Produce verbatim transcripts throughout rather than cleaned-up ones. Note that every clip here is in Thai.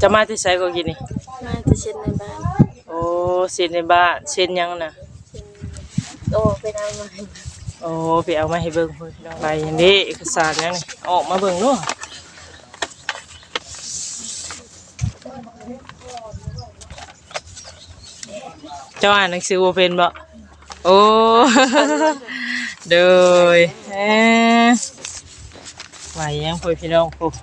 จะมาที่ไสก็กินนี่มาจะเช็ดในบ้านโอ้เช็ดในบ้านเช็ดยังน่ะโอ้ไปเอามาให้โอ้ไปเอามาให้เบิ่งเพิ่นพี่น้องไปอันนี้เอกสารยังนี่ออกมาเบิ่งเนาะเจ้าอ่านหนังสือบ่เป็นบ่โอ้โดยเอ๊ะไหวยังพ่อพี่น้องปุ๊บ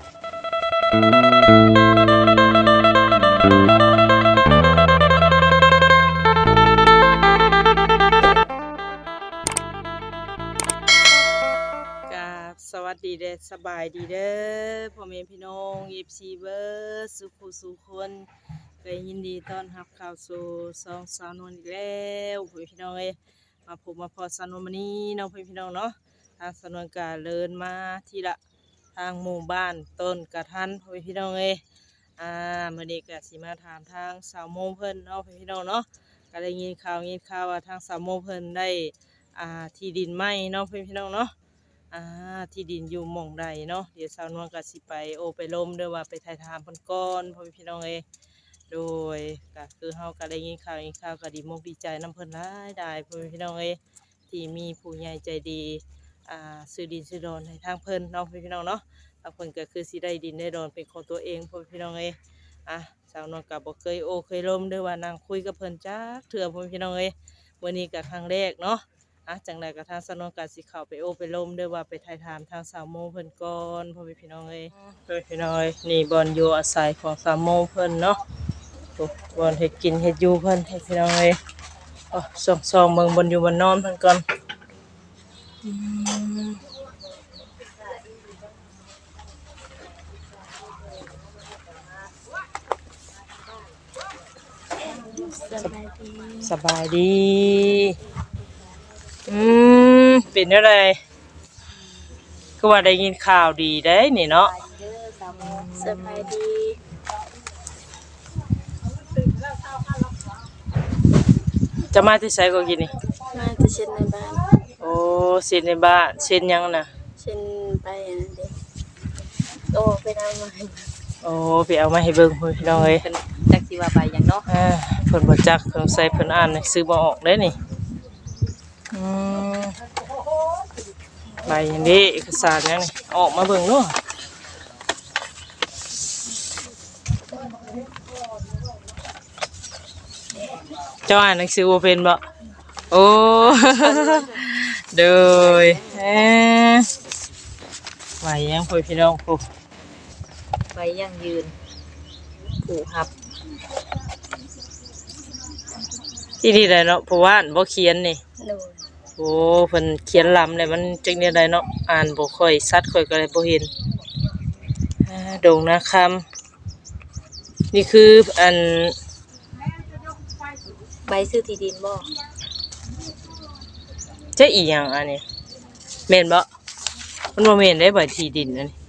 สวัสดีเด้อสบายดีเด้อพ่อแม่พี่น้องเอฟซีเบอร์สุขุสุขคนก็ยินดีต้อนรับเข้าสู่ซองสาวนวลอีกแล้วพ่อพี่น้องเอ้ยมาพบมาพอสาวนวลมื้อนี้น้องพ่อพี่น้องเนาะทางสาวนวลก็เดินมาที่ละทางหมู่บ้านต้นกระทันพ่อพี่น้องเอ้ยอ่ามื้อนี้ก็สิมาถามทางสาวโมเพิ่นเนาะพ่อพี่น้องเนาะก็ได้ยินข่าวยินข่าวว่าทางสาวโมเพิ่นได้อ่าที่ดินใหม่เนาะพ่อพี่น้องเนาะอ่าที่ดินอยู่หม่องใดเนาะเดี๋ยวสาวนวลก็สิไปโอไปลมเด้อว่าไปถ่ายทำเพิ่นก่อนพ่อพี่น้องเอ้ยโดยก็คือเฮาก็ได้ยินข่าวยินข่าวก็ดีมุกดีใจนำเพิ่นหลายได้พ่อพี่น้องเอ้ยที่มีผู้ใหญ่ใจดีอ่าซื้อดินซื้อดอนให้ทางเพิ่นเนาะพี่น้องเนาะทางเพิ่นก็คือสิได้ดินได้ดอนเป็นของตัวเองพ่อพี่น้องเอ้ยอ่ะสาวนวลก็บ่เคยโอเคยลมเด้อว่านั่งคุยกับเพิ่นจักเทื่อพ่อพี่น้องเอ้ยมื้อนี้ก็ครั้งแรกเนาะอ่ะจังไรกับทางสนองการสิเข้าไปโอไปลมด้วยว่าไปถ่ายถามทางสาวโมเพิ่นก่อนพ่อพี่น้องเอ้ยพ่อพี่น้องเอ้ยนี่บอนอยู่อาศัยของสาวโมเพิ่นเนาะบอนเฮ็ดกินเฮ็ดอยู่เพิ่นให้พี่น้องเอ้ยอ๋อส่องส่องเบิ่งบอนอยู่บอนนอนเพิ่นก่อนสบายดีอืมเป็นอะไรก็ว่าได้ยินข่าวดีได้นี่เนาะสบายดีจะมาที่ไสก็กินนี่มาจะเช็ดในบ้านโอ้เช็ดในบ้านเช็ดยังน่ะเช็ดไปอันเด็กโอ้ไปเอามาให้โอ้ไปเอามาให้เบิ่งพี่น้องเอ้ยจักสิว่าไปหยังเนาะเออเพิ่นบ่จักเพิ่นใส่เพิ่นอ่านหนังสือบ่ออกเด้นี่อืมใบอันนี้เอกสารยังนี่ออกมาเบิ่งเนาะเจ้าอ่านหนังสือบ่เป็นบ่โอ้โดยเอ๊ะไหวยังพ่อพี่น้องปุ๊บไปยังยืนผู้หับที่นี่ได้เนาะเพราะว่าบ่เขียนนี่โดยโอ้เพิ่นเขียนลำเลยมันจังได๋ได้เนาะอ่านบ่ค่อยชัดค่อยก็เลยบ่เห็นอ่าดงนาคำนี่คืออันใบซื้อที่ดินบ่จะอีหยังอันนี้แม่นบ่มันบ่แม่นได้ใบที่ดินอันนี้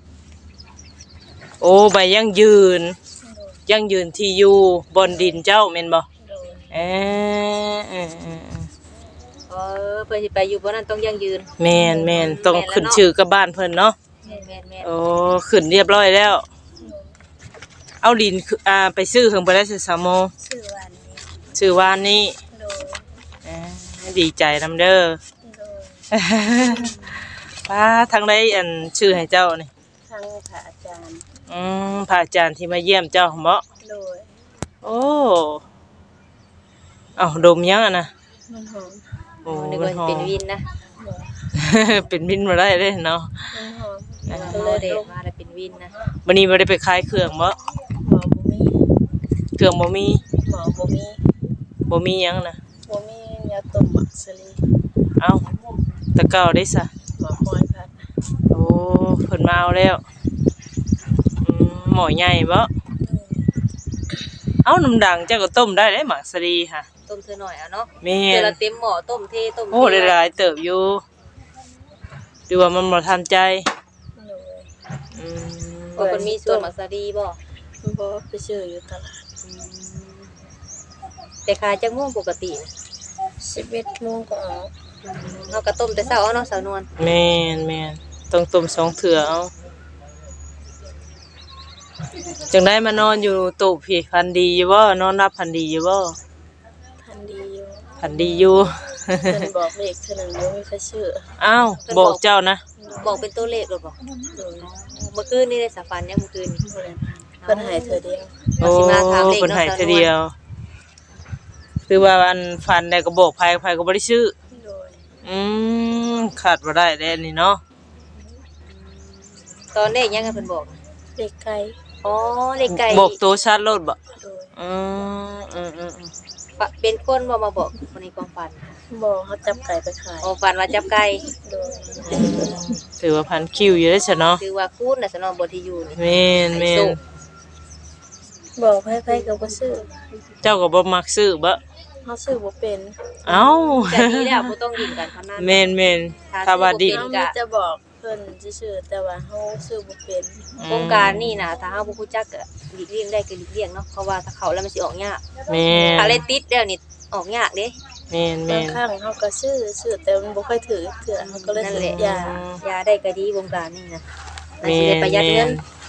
โอ้ใบยั่งยืนยั่งยืนที่อยู่บนดินเจ้าแม่นบ่เอ๊ะเออเออเพิ่นสิไปอยู่บ่นั้นต้องยั่งยืนแม่นแม่นต้องขึ้นชื่อกับบ้านเพิ่นเนาะแม่นๆๆโอ้ขึ้นเรียบร้อยแล้วเอาดินอ่าไปซื้อเพิ่นบ่ได้ซื้อสามโมชื่อวันนี้ชื่อวานนี้โดยเอ๊ะดีใจนำเด้อโดยป้าทางใดอันชื่อให้เจ้านี่ทางพระอาจารย์อืมพระอาจารย์ที่มาเยี่ยมเจ้าเหมาะโดยโอ้เอาดมยังอ่ะนะมันหอมโอ้นึกว่าเป็นวินนะเป็นวินมาได้เลยเนาะมันหอมเออเด็กมาแล้วเป็นวินนะวันนี้บ่ได้ไปขายเครื่องบ่หมอบ่มีเครื่องบ่มีหมอบ่มีบ่มียังนะบ่มียาต้มมักสลีเอ้าตะเก้าได้ซะหมอคอยพัดโอ้เพิ่นมาเอาแล้วอืมหม้อใหญ่บ่เอ้าน้ำดังเจ้าก็ต้มได้เด้หมักสลีค่ะต้มเธอหน่อยเอาเนาะแม่นเดี๋ยวเราเต็มหม้อต้มเทต้มโอ้หลายๆเติบอยู่ดูว่ามันบ่ทันใจอืมเพิ่นมีส่วนมักสลีบ่บ่ไปซื้ออยู่ตลาดแต่ขายจักโมงปกติสิบเอ็ดโมงก็ออกเฮาก็ต้มแต่เช้าเนาะสาวนวลแม่นแม่นต้องต้มสองเทื่อเอาจังได้มานอนอยู่ตูบพี่พันดีอยู่บ่นอนรับพันดีอยู่บ่พันดีอยู่พันดีอยู่เพิ่นบอกเลขเท่านั้นบ่มีใครเชื่ออ้าวบอกเจ้านะบอกเป็นตัวเลขหรือเปล่าโดยเมื่อคืนนี่ได้สัฟันเนี่ยเมื่อคืนนี่บ่ได้เพิ่นให้เธอเดียวโอ้เพิ่นให้เทื่อเดียวคือว่าอันฟันได้ก็บอกไผไผก็บ่ได้ซื้อโดยอืมขาดบ่ได้แน่นี่เนาะตอนเลขยังไงเพิ่นบอกเลขไก่อ๋อเลขไก่บอกตัวชัดโลดบ่โดยอืมอืมอืมปะเป็นคนบ่มาบอกคนในความฝันบอกเขาจับไก่ไปขายอ๋อฝันว่าจับไก่โดยถือว่าพันคิวอยู่ได้ซะเนาะคือว่าคูณน่ะสนองบ่ที่อยู่นี่แม่นแม่นบอกไผๆก็บ่ซื้อเจ้าก็บ่มักซื้อบ่เฮาซื้อบ่เป็นเอ้าจากนี้แล้วบ่ต้องดิ้นกันพนันแม่นแม่นถ้าว่าดิเป็เฮาน มีแต่บอกเพิ่นซื่อๆแต่ว่าเฮาซื้อบ่เป็นโครงการนี่นะถ้าเฮาบ่รู้จักก็หลีกเลี่ยงได้ก็หลีกเลี่ยงเนาะเพราะว่าถ้าเข้าแล้วมันสิออกยากแม่นถ้าเล่นติดแล้วนี่ออกยากเด้แม่นบาแม่งนครั้งเฮาก็ซื้อซื้อแต่มันบ่ค่อยถือเถื่อเฮาก็เลยนั่นซื้แหละอยายาได้ก็ดีวงการนี่นะมันแม่สิได้นประหยัดเงิน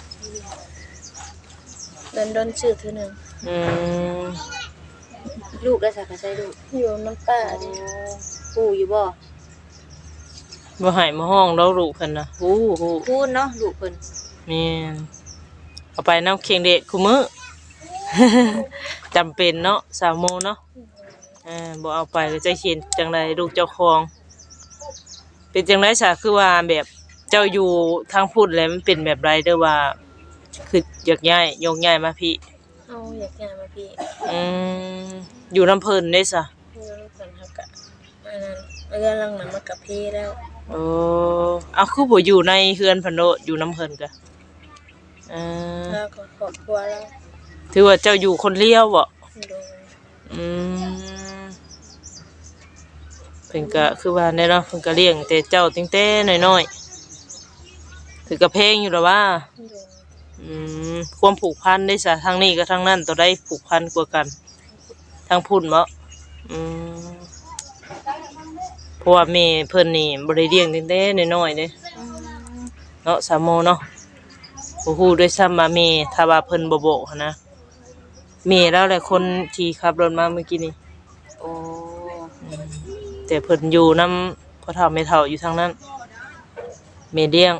เดินดนซื้อเทื่อหนึงอืมลูกได้สักก็ใช้ลูกอยู่น้ำป้าดิปู่อยู่บ่บ่ให้มาห้องเราลูกเพิ่นน่ะฮู้ฮู้พูนเนาะลูกเพิ่นแม่นเอาไปน้ำเคียงเด็กคุมื้อ จำเป็นเนาะสามโมงเนาะเออบ่เอาไปก็จะเขียนจังไดลูกเจ้าของเป็นจังไดซะคือว่าแบบเจ้าอยู่ทางพุทธแล้วมันเป็นแบบไรเด้อว่า คืออยากย้ายยกย้ายมาพี่เอาอยากย้ายมาพี่อืมอยู่น้ำเพิ่นได้ซะอยู่น้ำเพิ่นเฮาก็อันนั้นเรื่องหลังนั้นมากับพี่แล้วโอ้เอาคือบ่อยู่ในเฮือนเพิ่นโดดอยู่น้ำเพิ่นกะเออแล้วก็ครอบครัวแล้วถือว่าเจ้าอยู่คนเดียวบ่โดยอืมเพิ่นก็คือว่าแน่เนาะเพิ่นก็เลี้ยงแต่เจ้าตั้งแต่น้อยๆถือก็เพลงอยู่แล้วว่าโดยอืมความผูกพันได้ซะทางนี้ก็ทางนั้นตัวใดผูกพันกว่ากันทางพุ่นบ่อืมเพราะว่าแม่เพิ่นนี่บ่ได้เลี้ยงตั้งแต่น้อยๆเด้เนาะสามโมเนาะบ่ฮู้ด้วยซ้ำว่าแม่ถ้าว่าเพิ่นบ่บอกหั้นนะแม่แล้วแหละคนที่ขับรถมาเมื่อกี้นี่โอ้แต่เพิ่นอยู่นำพ่อเฒ่าแม่เฒ่าอยู่ทางนั้นแม่เลี้ยง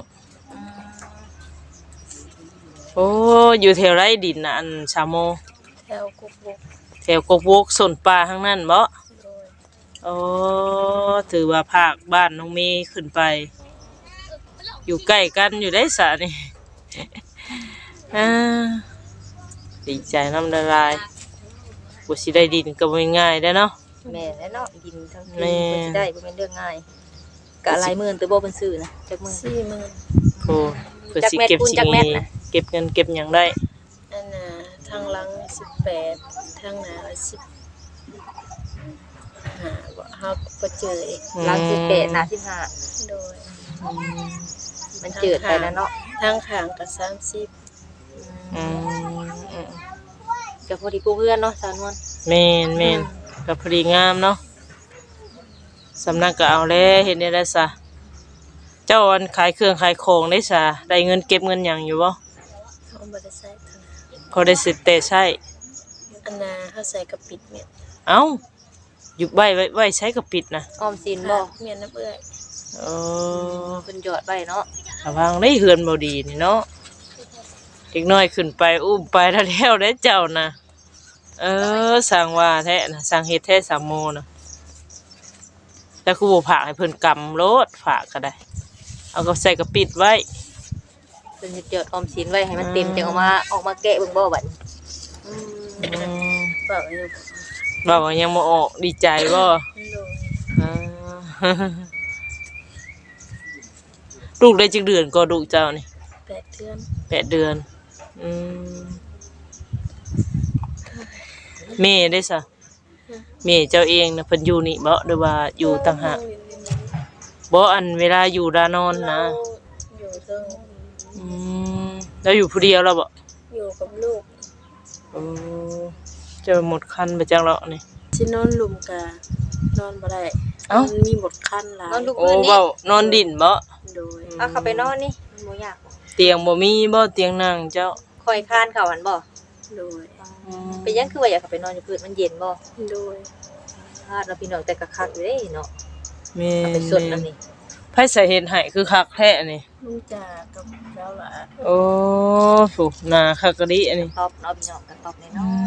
โอ้อยู่แถวไรดินน่ะอันชาโมแถวกุกบุกแถวกกวกสนป่าทางนั้นบ่โดยโอ้ถือว่าภาคบ้านน้องเมย์ขึ้นไป อยู่ใกล้กันอยู่ได้สะนี่ อ่าดีใจน้ำละลายบ่สิได้ดินก็บ่ง่ายได้อเนาะแม่และเนาะดินทั้งแม่ที่เพิ่นสิได้บ่แม่นเรื่องง่ายกะหลายหมื่นแต่บ่เพิ่นซื้อนะจักหมื่นสี่หมื่นโอ้เพื่อสิจักแม่นเก็บคูณสิจักแม่นน่ะเก็บเงินเก็บหยังได้อันน่ะทางหลังสิบแปดทางหน้าสิบห้าบ่เฮาบ่เจออีกหลังสิบแปดหน้าสิบห้าโดยอืมมันเจิดไปแล้วเนาะทางข้างก็สามสิบอืมอืมก็พอดีกูเพื่อนเนาะสาวนวลแม่นแม่นก็พอดีงามเนาะสำนักก็เอาแล้วเฮ็ดได้แล้วซะเจ้าอันขายเครื่องขายของได้ซะได้เงินเก็บเงินหยังอยู่บ่เขาบ่ได้ใส่เท่านั้นพอได้สิแต่ใช้อันน่ะเฮาใส่กระปิดเม็ดเอ้าอยู่ไว้ไว้ไว้ใช้กับปิดนะออมสินบ่เม็ดน้ำเอื้อยเออเพิ่นหยอดไว้เนาะระวังได้เฮือนบ่ดีนี่เนาะเด็กน้อยขึ้นไปอุ้มไปแล้วแล้วได้เจ้านะเออสั่งว่าแท้นะสั่งเฮ็ดแท้สามโมนะแล้วคือบ่ฝากให้เพิ่นกำโลดฝากก็ได้ เอาก็ใส่กระปิดไว้เพิ่นสิหยอดออมสินไว้ให้มันเต็มจังเอามาออกมาแกะเบิ่งบ่บัดอืมอืมเปล่าอยู่บอกว่ายังบ่ออกดีใจบ่โดยอ่า ลูกได้จักเดือนก็ลูกเจ้านี่แปดเดือนแปดเดือน อืมแม่ได้ซะแม่เจ้าเองนะเพิ่นอยู่นี่บ่หรือว่าอยู่ต่างหากบ่อันเวลาอยู่ดานอนนะอยู่เทิงอืมแล้วอยู่ผู้เดียวแล้วบ่อยู่กับลูกโอ้เจะหมดคันไปจังแล้วนี่สินอนหลุมกะนอนบ่ได้เอ้ามันมีหมดคันหลายนอนลูกโอ้พื้นนี่เว้านอนดินบ่โดยเอาเข้าไปนอนนี่มันบ่ยากเตียงบ่มีบ่เตียงนั่งเจ้าคอยค้านเข้าหันบ่โดยเป็นหยังคือว่าอยากเข้าไปนอนอยู่พื้นมันเย็นบ่โดยพาดเราพี่น้องแต่ก็คักอยู่เด้เนาะแม่เอาไปนสดนำนี่ไผใส่เฮ็ดให้คือคักแท้นี่ลุงจ่ากับเจ้าหละโอ้ถูกหน้าคักกะดิอันนี้ตอบเนาะพี่น้องก็ตอบน้อย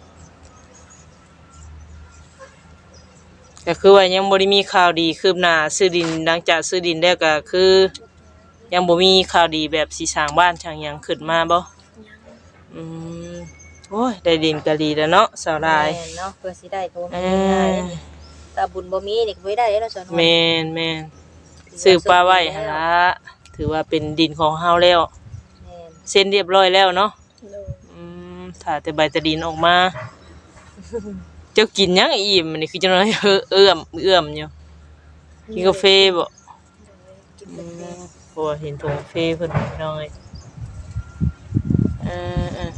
ก็คือว่ายังบ่ได้มีข่าวดีคืบหน้าซื้อดินหลังจากซื้อดินแล้วก็คือ ยังบ่มีข่าวดีแบบสิสร้างบ้านช่างหยังขึ้นมาบ่อืมโอ้ยได้ดินก็ดีแล้วเนาะสาวๆลายแม่นเนาะเพื่อสิได้ก็บ่เอแม่นง่ายอๆเด้นี่ถ้าบุญบ่มีนี่ก็บ่ได้เด้เนาะสอนแม่นแม่นซื้อปลาไว้หั่นล่ะถือว่าเป็นดินของเฮาแล้วแม่นเซ็นเรียบร้อยแล้วเนาะโดยอืมถ้าแต่ใบตะดินออกมา เจ้ากินหยังอิ่มอันนี่คือจังได๋เอื้อมเอื้อมอยู่กินกาแฟบ่กินอืกาแฟมเพราะว่าเห็นถุงกาแฟเพิ่นน้อยเออ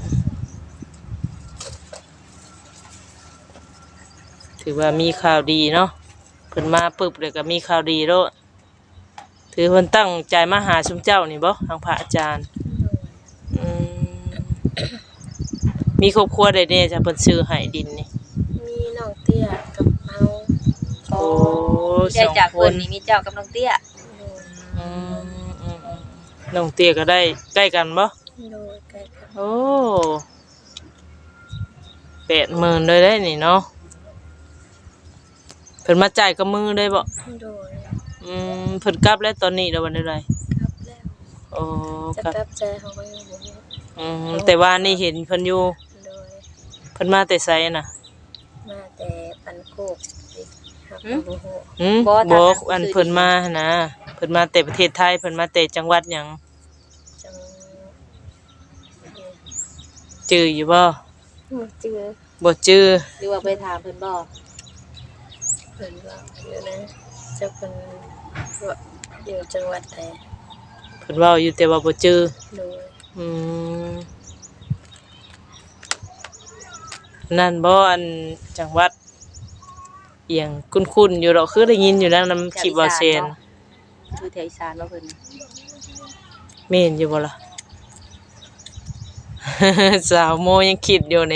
ๆถือว่ามีข่าวดีเนาะเพิ่นมาปึ๊บเลยก็มีข่าวดีแล้ว ถือเพิ่นตั้งใจมาหาชุมเจ้านี่บ่ทางพระอาจารย์อืมมีครอบครัวได้แน่จ้ะเพิ่นซื้อให้ดินนี่มีน้องเตี้ยกับเฮาโอ้สได้องจากคเพิ่นนนี่มีเจ้ากับน้องเตี้ยโดยอืมอืมอืมน้องเตี้ยก็ได้ใกล้กันบ่โดยใกล้กันโอ้แปดหมื่นเลยได้นี่เนาะเพิ่นมาจ่ายกับมือได้บ่โดยอืมเพิ่นกลับแล้วตอนนี้แล้ววันใดกลับแล้วโอ้จะครับกลับใจเขาก็ยังบ่รู้อืมแต่ว่านี่เห็นเพิ่นอยู่โดยเพิ่นมาแต่ไสน่ะมาแต่ปันโคกอีกหักบ่ฮู้หืมบ่อันเพิ่นมาหั่นนะเพิ่นมาแต่ประเทศไทยเพิ่นมาแต่จังหวัดหยังจังจื้ออยู่บ่บ่เจือบ่จื้อหรือว่าไปถามเพิ่นบ่เพิ่นว่าอยู่นะจะเพิ่นว่าอยู่จังหวัดใดเพิ่นเว้าอยู่แต่ว่าบ่จื้อโดยอืมนั่นบ่อันจังหวัดเอียงคุ้นๆอยู่ดอกคือได้ยินอยู่นะนำคลิปว่าเซนคือแถวอีสานบ่เพิ่นแม่นอยู่บ่ล่ะ สาวโมยังคิดอยู่นี่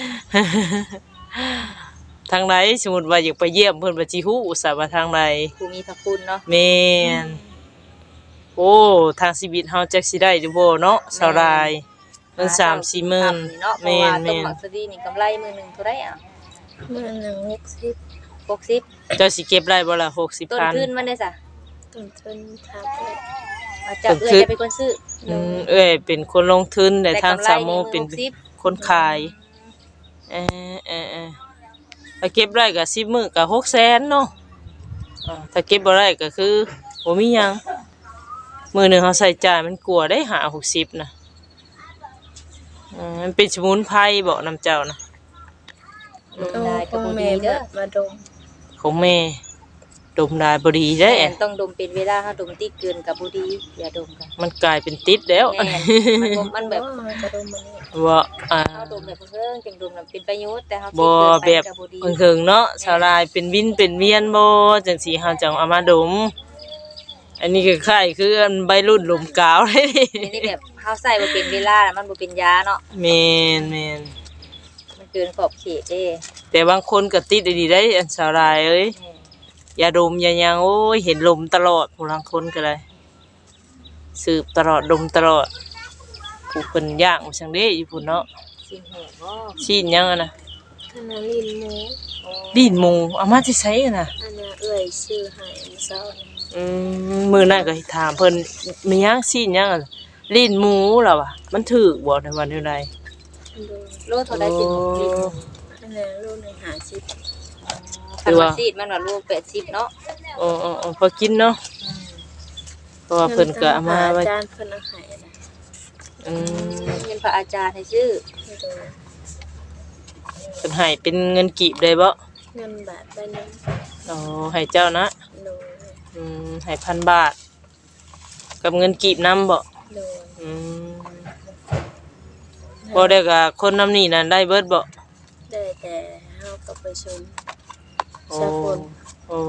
ทางใดสมมุติว่าอยากไปเยี่ยมเพิ่นว่าสิฮู้ซะว่าทางใดผู้มีพระคุณเนาะแม่นโอ้ทางชีวิตเฮาจักสิได้อยู่บ่เนาะสาวรายเงิน สามสี่หมื่นเนาะเพราะแม่ว่าน ต้นแม่นหมักสดีนี่กำไรมื้อหนึงเท่าใดอ่ะมื้อหนึงหกสิบหกสิบเจ้าสิเก็บได้บ่ล่ะต้นหกสิบพันทุนมันได้ซะต้นทุนทาไปมาจากต้นเอื้ทุอยนจะเป็นคนซื้ออืมเอ้ยเป็นคนลงทุนแต่ทางกำไรสามโมนี่เป็นหกสิบคนขายเออเออเออถ้าเก็บได้ก็สิบมื้อก็หกแสนเนาะอ่าถ้าเก็บบ่ได้ก็คือบ่มีหยังมื้อหนึงเฮาใช้จ่ายมันกลัวได้ห้า หกสิบน่ะอืมมันเป็นสมุนไพรบ่น้ำเจ้านะต้องได้ขก็องบ่แม่ดีเด้อมาดมของแม่ดมได้บ่ดีเด้แม่นต้องดมเป็นเวลาถ้าดมติดเกินก็บ่ดีอย่าดมกันมันกลายเป็นติดแล้วแม่นมันบ่มันแบบอ๋อจะดมมันนี่ว่าอ่าเฮาดมแบบเพิ่งจังดมน่ะเป็นประโยชน์แต่เฮาบ่ติดแบเกินไปบก็บ่ดีเพิ่งๆเนาะชาวลายเป็นวินเป็นเวียนบ่จังซี่เฮาจังเอามาดม อันนี้ก็คล้ายคืออันใบรุ่นลมกาวเลยดิทีนี้แบบเฮาใส่บ่เป็นเวลาน่ะมันบ่เป็นยาเนาะแม่นแม่นมันเกินขอบเขตเด้แต่บางคนก็ติดดีๆได้อันชาวลายเอ้ยแม่นอย่าดมอย่าหยังโอ้ยเห็นลมตลอดผู้ลางคนก็ได้สืบตลอดดมตลอดผู้เพิ่นย่างว่าจังเด้อยู่พุ่นเนาะสิแห้งบ่ชีนหยังอะนะอันนั้นลิ้นหมูดินหมูเอามาที่ไสอะน่ะอันนั้นเอื้อยชื่อให้อันเช้านี่อืมมื้อนั้นก็ถามเพิ่นมีหยังชีนหยังอะลิ้นหมูล่ะวะมันถูกบ่ในวันนี้ใดโดยโลเท่าใดสิลิตรอันนั้นลูกหนึงห้าสิบคันว่าซีดมันว่าโลแปดสิบเนาะโอ้โอ้ๆๆพอกินเนาะอืมเพราะว่าเพิ่นก็เอามาไว้อาจารย์เพิ่นเอาให้นะอืมเงินพระอาจารย์ให้ซื้อโดยเพิ่นให้เป็นเงินกีบได้บ่เงินบาทใบหนึงอ๋อให้เจ้านะโดยอืมให้พันบาท กับเงินกีบนำบ่โดยอืมบ่ได้ก็คนนำนี่นั่นได้เบิดบ่ได้แต่เฮาก็ไปชมโอ้สักคนโอ้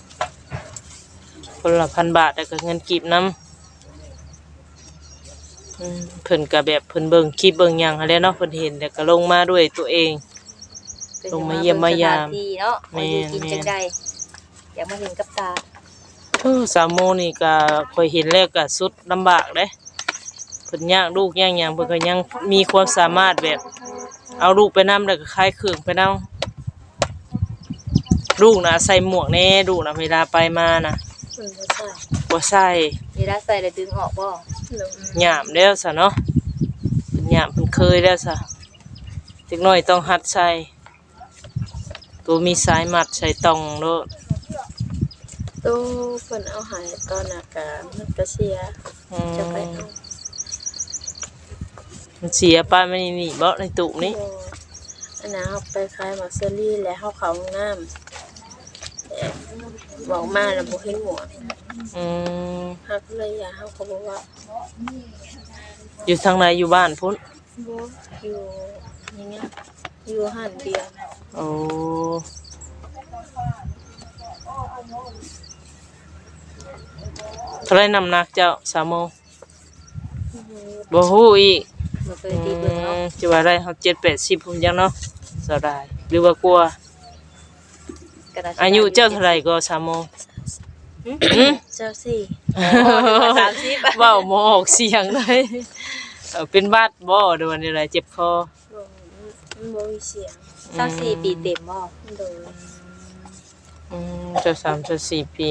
คนละพันบาทแล้วก็เงินกีบนำอืมเพิ่นก็แบบเพิ่นเบิ่งคลิปเบิ่งหยังหั้นแหละเนาะเพิ่นเห็นแล้วก็ลงมาด้วยตัวเองพิ่นลงจะมาเยี่ยมมายามเบิ่งสถนที่เนาะว่าอยู่กินแม่นจังได๋อยากมาเห็นกับตาเออสามโมงนี่ก็ค่อยเห็นแล้วก็สุดลำบากเด้เพิ่นยากลูกยากหยังเพิ่นก็ยังมีความสามารถแบบเอาลูกไปนำแล้วก็คลายเครื่องไปนำลูกน่ะใส่หมวกแน่ลูกน่ะเวลาไปมาน่ะมันบ่ใช่บ่ใส่เวลาใส่แล้วดึงออกบ่โดยหยามแล้วซะเนาะเพิ่นหยามเพิ่นเคยแล้วซะเด็กน้อยต้องหัดใส่ตัวมีสายมัดใส่ตองโลดตู้เพิ่นเอาใหายตอนน่ะก็มันก็เสียอืจะไปมเอามันเสียป้าไม่นี่บ่ในตู้นี้บ่อันน่ะเฮาไปขายมักเซอรี่แล้วเฮาเข้าห้องน้ำแต่บอกมาแล้วบ่เห็นหมวกอืมเฮาก็เลยอยากเฮาก็บอกว่าอยู่ทางไหนอยู่บ้านพุ่นบ่อยู่อย่างเงี้ยอยู่หันเดียวโอ้เท่าไรน้ำหนักเจ้าสามโมงบ่ฮู้อีกบ่เคอืยตีเบิ่งเนาะมจะว่าได้เฮาเจ็ดแปดสิบพุ่นจังเนาะสบายหรือว่ากลัวก็น่าสิอายุเจ้าเท่าไหร่ก็สามโมงเจ้าสี่สามสิบเว้าบ่ออกเสียงเลยเออเป็นบาดบ่หรือว่าอะไรเจ็บคอบ่มันบ่มีเสียงสามสี่ปีเต็มบ่โดยอืมเจะสามจะสี่ปี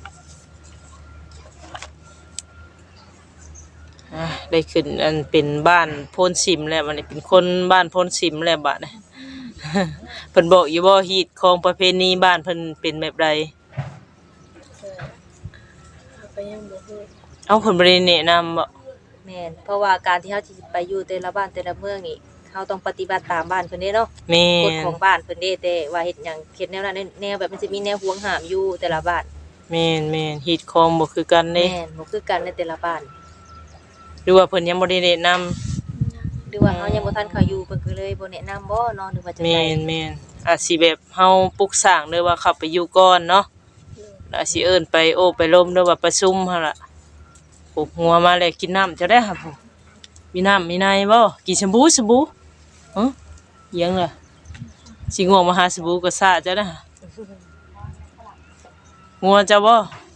อ่ะได้ขึ้นอันเป็นบ้านโพนสิมแล้วมันนี้เป็นคนบ้านโพนสิมแล้วบัดนี้ เพิ่นบอกอยู่บ่ฮีตของประเพณีบ้านเพิ่นเป็นแบบใดเออเฮาก็ยังบ่ฮู้เอ้าเพิ่นบ่ได้แนะนำบ่แม่นเพราะว่าการที่เฮาสิไปอยู่แต่ละบ้านแต่ละเมืองนี่เฮาต้องปฏิบัติตามบ้านเพิ่นเด้เนาะแม่กฎนของบ้านเพิ่นเด้แต่ว่าเฮ็ดหยังเฮ็ดแนวนั้นแนวแบบมันจะมีแนวห่วงห้ามอยู่แต่ละบ้านแม่นแม่นฮีตของบ่คือกันเด้แม่นบ่คือกันในแต่ละบ้านหรือว่าเพิ่นยังบ่ได้แนะนำหรือว่าเฮายังบ่ทันเข้าอยู่เพิ่นก็เลยบ่แนะนำบ่เนาะหรือว่าจังแม่ได๋นแม่นอาจสิแบบเฮาปลุกสร้างเด้อว่าเข้าไปอยู่ก่อนเนาะแล้วอาจสิเอิ้นไปโอ้ไปล้มเด้อว่าประชุมหั่นล่ะปลุกหัวมาแล้วกินน้ำจะได้ครับผมมีน้ำมีในบ่กินสบู่สบู่ฮะอิหยังล่ะสิง่วงมาหาสบู่ก็ซ่าจะได้ฮะงัวเจ้าบ่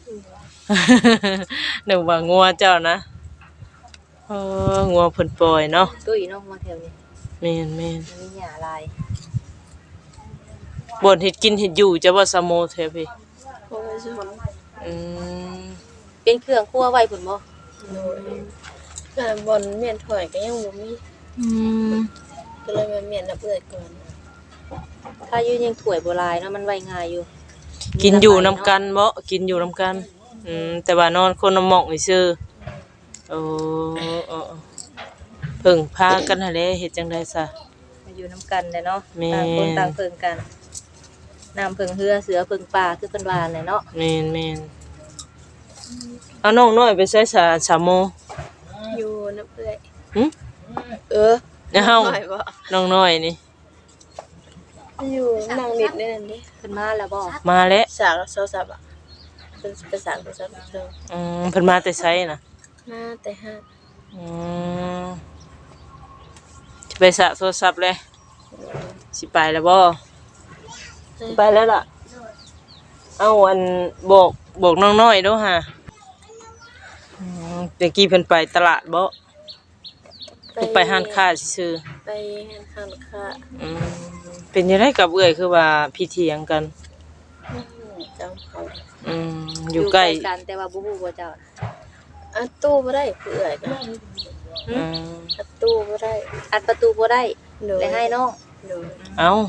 นึกว่างัวเจ้านะเอองัวเพิ่นปล่อยเนาะตุ้ยเนาะมาแถวนี้แม่นแม่นมันมีหญ้าหลายบ่นเฮ็ดกินเฮ็ดอยู่จะบ่สะโมแท้พี่เพราะว่าช่วงอืมเป็นเครื่องครัวไว้พุ่นบ่โดยแต่บ่อนเมียนถอยก็ยังบ่มีอืมก็เลยมาเมียนน้ำเอื้อยก่อนถ้าอยู่ยังถ้วยบ่หลายเนาะมันไว้ง่ายอยู่กินอยู่นํกันบ่กินอยู่นํกันอืมแต่ว่านอนคนละหม้องซื่อโอ้เออเพิ่งพากันหั่นแหละเฮ็ดจังได๋ซะมาอยู่นํกันแหละเนาะแม่นต่างคนต่างเพิ่งกันน้ำเพิ่งเหือเสือเพิ่งป่าคือเพิ่นว่าแหละเนาะแม่นแม่นเอาน้องน้อยไปใส่สาสามโมอยู่น้ำเอื้อยหึเออเฮาหน่อยบ่น้องน้อยนี่อยู่นั่งนิดนี่นั่นดิเพิ่นมาแล้วบ่มาแล้วสากโซซับอ่ะเป็นภาษาภาษาเชิงอืมเพิ่นมาแต่ไสน่ะมาแต่ห้าอืมสิไปสระโทรศัพท์เลยสิไปแล้วบ่สิไปแล้วล่ะ เอาอันบอกบอกน้องน้อยเด้อฮะอืมตะกี้เพิ่นไปตลาดบ่หรือไปห้านค้าซื่อไปห้านค้าค้าๆอืมเป็นจังไดกับเอื้อยคือว่าพี่เถียงกันจำเขาอืมอยู่ใกล้กันแต่ว่าบ่ฮู้ว่าเจ้าอัดตู้บ่ได้เอื้อยก็อืมอัดตู้บ่ได้อัดประตูบ่ได้โดยได้ให้น้องโดยเอ้า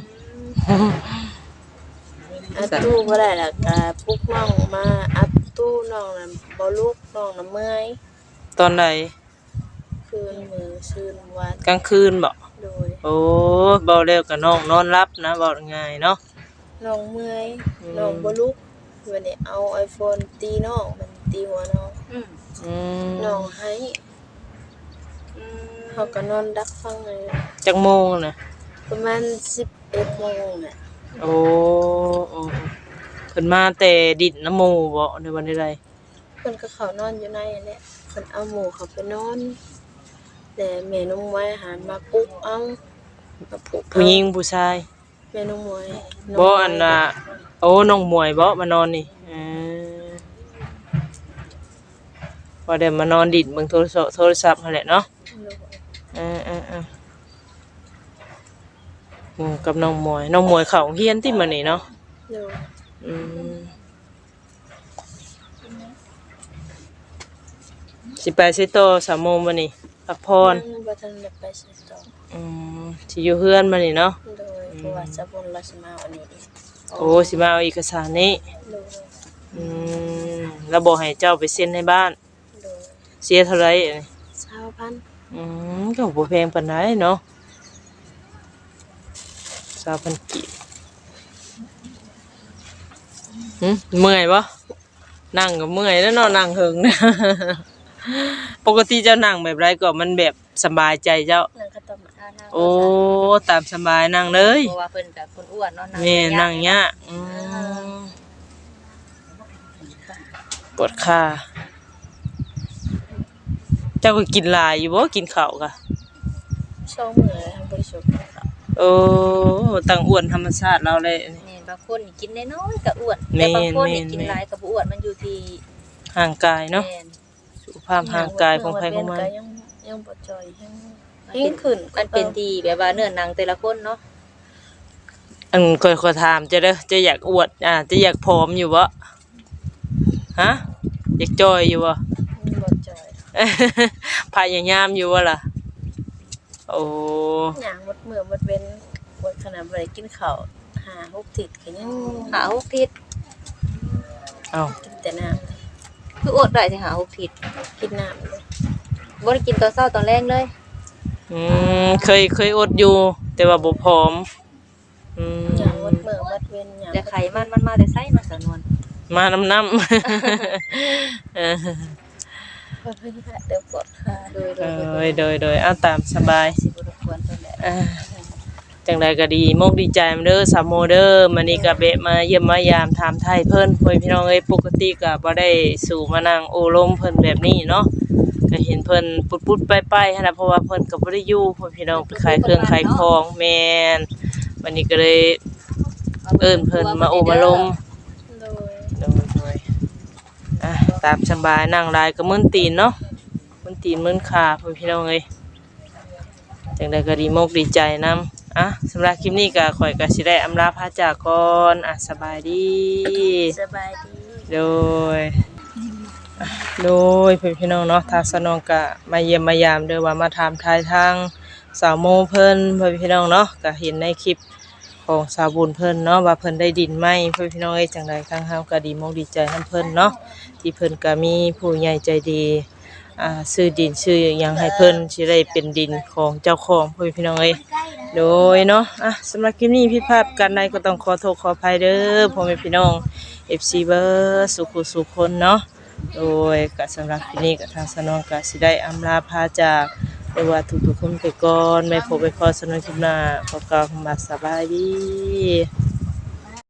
อัดตู้บ่ได้ล่ะก็ปลุกน้องมาอัดตู้น้องน่ะบ่ลุกน้องน่ะเมื่อยตอนใดคืนมื้อซื่นวันกลางคืนบ่โดยโอ้เบาแล้วก็น้องนอนรับนะเว้าง่ายเนาะน้องเมื่อยอืมน้องบ่ลุกวันนี้เอา iPhone ตีน้องมันตีหัวน้องอืมอืมน้องให้อืมเขาก็นอนดักฟังเลยจักโมงน่ะประมาณสิบเอ็ดโมงน่ะโอ้โอ้เพิ่นมาแต่ดินน้ำหมู่บ่ในวันใดเพิ่นก็เขานอนอยู่ในนั่นแหละเพิ่นเอาหมูเขาไปนอนอแต่แม่น้องมวยหันมาปลุกเอามาปลุกเอาผู้หญิงผู้ชายแม่น้องมวยบ่อันน่ะโอ้น้องมวยบ่มานอนนี่เออพอได้มานอนดิดเบิ่งโทรศัพท์โทรศัพท์นั่นแหละเนาะเออๆๆหมู่กับน้องมวยน้องมวยเข้าโรงเรียนติมื้อนี้เนาะโดยอืมสิไปสิโตสามโมงมื้อนี้พักผ่อนยังบ่ทันได้ไปใส่ต่ออืมสิอยู่เฮือนมื้อนี้เนาะโดยเพราะว่าสะบุญราชมาวันนี้โอ้สิมาเอาเอกสารนี้โดยอืมแล้วบอกให้เจ้าไปเซ็นให้บ้านโดยเสียเท่าไหร่อันนี้ชาวพันธุ์อืมก็บ่แพงปานใดเนาะสามพันกีบหึเมื่อยบ่นั่งก็เมื่อยแล้วเนาะนั่งเฮิงนะ ปกติเจ้านั่งแบบไรก็มันแบบสบายใจเจ้านางก็ต้องมาท่านั่งโอ้ตามสบายนั่งเลยเพราะว่าเพิ่นก็คนอ้วนเนาะแม่นั่งยากอืมปวดขาเจ้าก็กินหลายอยู่บ่กินข้าวกะชอบมื้อทำบริสุทธิ์เขาโอ้ตั้งอ้วนธรรมชาติเราเลยแม่นบางคนนี่กินน้อยๆก็อ้วนแม่แต่นบางคนนี่แม่นกินหลายก็บ่อ้วนมันอยู่ที่ห่างกายเนาะแม่นสุขภาพห่างกายของใครของมันก็ยังยังบ่จ่อยยังยังขึ้นมันเป็นที่แบบว่าเนื้อหนังแต่ละคนเนาะอันค่อยๆถามเจะเด้อจะอยากอวดอ่าจะอยากผอมอยู่บ่ฮะอยากจอยอยู่บ่บ่จ่อยพยายามอยู่บ่ล่ะโอ้หยังหมดมื้อหมดเว้นหมดขนาดบ่ได้กินข้าวห้าหกทิศก็ยังหาหกทิศเอ้ากินแต่น้ำคืออดได้สิหาหกทิศกินน้ำเลยบ่ได้กินตอนเช้าตอนแรงเลยอืมเคยเคยอดอยู่ แต่ว่าบ่ผอมอืมหยังหมดมื้อหมดเว้นหยังแต่ไขมันมันมาแต่ไสมาสะนวนมาน้ำน้ำ เออเพิ่นเดี๋ยวปวดขาโดยโดเอ้ยยโดยโดยเอาตามสบายสิบ่รบกวนเพิ่นแหละอ่าจังใดก็ดีมกดีใจมาเด้อสามโมเด้อมื้อนี้ก็เบะมาเยี่ยมมายามถามไทยเพิ่นพ่อพี่น้องเอ้ยปกติก็บ่ได้สู่มานั่งโอ้ลมเพิ่นแบบนี้เนาะก็เห็นเพิ่นปุดๆไปๆหั่นน่ะเพราะว่าเพิ่นก็บ่ได้อยู่พ่อพี่น้องไปขายเครื่องขายของแม่นวันนี้ก็เลยเอิ้นเพิ่นมาโอ้มาลมโดยโดยโดยอ่ะตามสบายนั่งหลายก็มึนตีนเนาะมึนตีนมึนขาพ่อพี่น้องเอ้ยจังใดก็ดีมกดีใจนำอ่ะสำหรับคลิปนี้ก็ข่อยก็สิได้อำลาพาจากก่อนอ่ะสบายดีสบายดีโดยอ่ะโดยเพื่อนพี่น้องเนาะทางสนองก็มาเยี่ยมมายามเด้อว่ามาถามทายทางสาวโมเพิ่นเพื่อนพี่น้องเนาะก็เห็นในคลิปของสาวบุญเพิ่นเนาะว่าเพิ่นได้ดินไหมเพื่อนพี่น้องเอ้ยจังใดทางเฮาก็ดีมกดีใจนำเพิ่นเนาะที่เพิ่นก็มีผู้ใหญ่ใจดีอ่าซื้อดินซื้อหยังให้เพิ่นสิได้เป็นดินของเจ้าของเพื่อนพี่น้องเอ้ย โดยเนาะอ่ะสำหรับคลิปนี้พี่ภาพกันใดก็ต้องขอโทษขออภัยเด้อพ่อแม่พี่น้อง เอฟ ซี เบอร์สุขุสุขคนเนาะโดยก็สำหรับคลิปนี้ก็ทางสนองก็สิได้อำลาพาจากเรียกว่าทุกๆคนไปก่อนไม่พบไปพอสนองคลิปหน้าขอกล่าวคำว่าสบายดี